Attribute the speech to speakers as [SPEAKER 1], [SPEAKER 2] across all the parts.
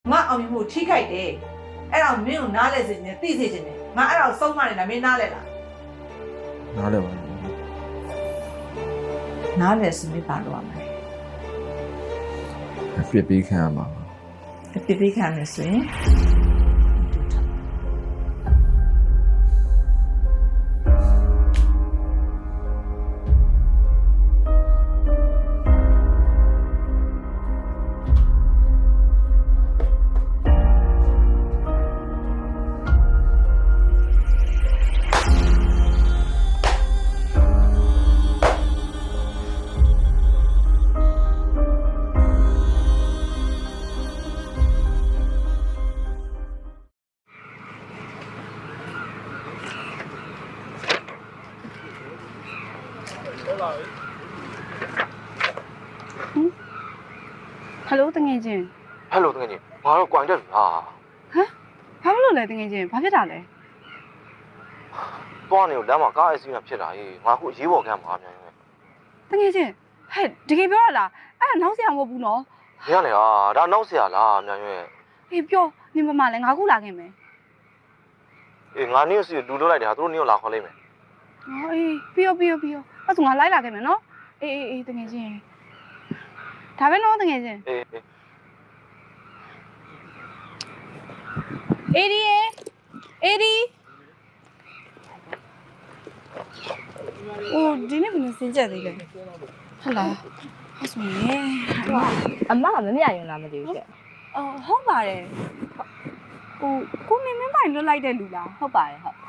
[SPEAKER 1] ငါအောင်မြင်မှုထိခိုက်တယ်အဲ့ဒါမင်းကိုနားလဲစေချင်တယ်သိစေချင်တယ်ငါအဲ့ဒါကိုဆုံးမနေတာမင်းနားလဲလား
[SPEAKER 2] နားလဲပါ
[SPEAKER 1] နားလဲစမေးပါတော့ရမယ်
[SPEAKER 2] ပြစ်ပြီးခံရမှာ
[SPEAKER 1] ပြစ်ပြီးခံရဆိုရင်
[SPEAKER 3] ဟယ်လိုတငယ်ချင်း
[SPEAKER 4] ဟယ်လိုတငယ်ချင်းငါတော့ကြွိုင်တက်ပြီဟာ
[SPEAKER 3] ဘာလို့လဲတငယ်ချင်းဘာဖြစ်တာလဲ
[SPEAKER 4] သွားနေလို့လမ်းမှာကားအစီအစဉ်ဖြစ်တာဟေးငါခုအရေးပေါ်ကမ်းမှာမြန်မြန်
[SPEAKER 3] တငယ်ချင်းဟဲ့တကယ်ပြောရလားအဲ့ဒါနောက်ဆရာမဟုတ်ဘူးနော်
[SPEAKER 4] မင်းကလေဟာဒါနောက်ဆရာလားမြန်မြန်
[SPEAKER 3] ဟေးပြောနေမမလဲငါခုလာခဲ့မယ်
[SPEAKER 4] အေးငါနင်းစီလူလွတ်လိုက်တယ်ဟာသူတို့နင်းကိုလာခေါ်လိုက်မယ်
[SPEAKER 3] အေးပြီးအဲ့ဆိုငါလိုက်လာခဲ့မယ်နော်အေးတငယ်ချင်းဒါပဲနော်တငယ်ချင်းအေဒီအိုးဒီနေ့ကလည်းစင်ကြက်သေးတယ်ဟုတ်လားအဲ့ဆိုရင်
[SPEAKER 5] အမကမမြရင်လားမသိဘူးတဲ့
[SPEAKER 3] ဟုတ်ပါတယ်ဟိုကိုမင်းပိုင်လွတ်လိုက်တဲ့လူလား
[SPEAKER 5] ဟုတ်ပါတယ်ဟုတ်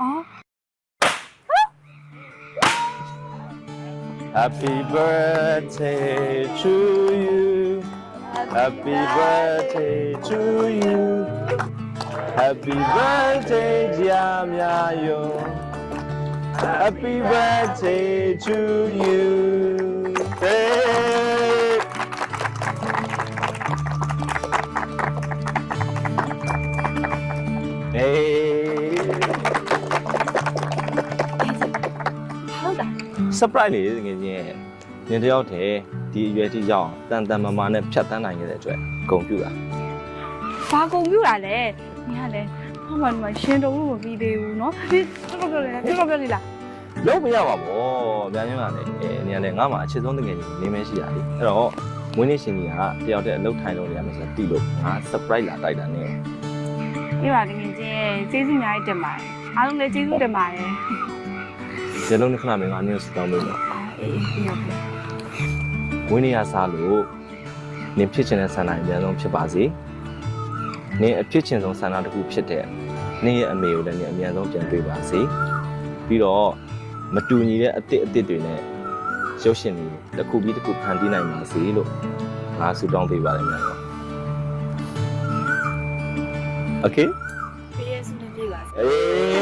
[SPEAKER 2] Happy birthday to you Happy birthday to you Happy birthday dear Myayo Happy birthday to you surprise လေးတကယ်ချင်းညတယောက်တည်းဒီအရွယ်ထိရောက်တန်တန်မာမာနဲ့ဖြတ်တန်းနိုင်ခဲ့တဲ့အတွက်ဂုဏ်ပြုတာ
[SPEAKER 3] ဘာဂုဏ်ပြုတာလဲညီကလည်းဟောမှရှင်တုံးလို့မပြီးသေးဘူးเนาะဒီတော်တော်ပြောနေလား
[SPEAKER 2] လုံးမရပါဘောပြန်ရင်းကလည်းနေရာနဲ့ငါ့မှာအချစ်ဆုံးတကယ်ချင်းနေမဲရှိတာလေအဲ့တော့မွေးနေ့ရှင်ကြီးကတယောက်တည်းအလုပ်ထိုင်လို့ရမယ်ဆိုတော့တီးလို့ငါ surprise လာတိုက်တာနေ
[SPEAKER 3] အေးပါတကယ်ချင်းကျေးဇူးအများကြီးတင်ပါတယ်အားလုံးလည်းကျေးဇူးတင်ပါတယ်
[SPEAKER 2] ဇလုံးနဲ့ခဏမင်းကနေစတောင်းလို့
[SPEAKER 3] အေးဟုတ်ကဲ့
[SPEAKER 2] ဝင်းနေရစားလို့နင်ဖြစ်ချင်တဲ့ဆန္ဒအများဆုံးဖြစ်ပါစေနင်အဖြစ်ချင်ဆုံးဆန္ဒတစ်ခုဖြစ်တဲ့နင်ရဲ့အမေကိုလည်းနင်အများဆုံးပြန်တွေ့ပါစေပြီးတော့မတူညီတဲ့အစ်စ်တွေနဲ့ရုပ်ရှင်တွေတစ်ခုပြီးတစ်ခုဖန်တီးနိုင်ပါစေလို့ငါဆုတောင်းပေးပါတယ်များတော့ Okay
[SPEAKER 3] ပေးရစနေပြေးပါ
[SPEAKER 2] အေး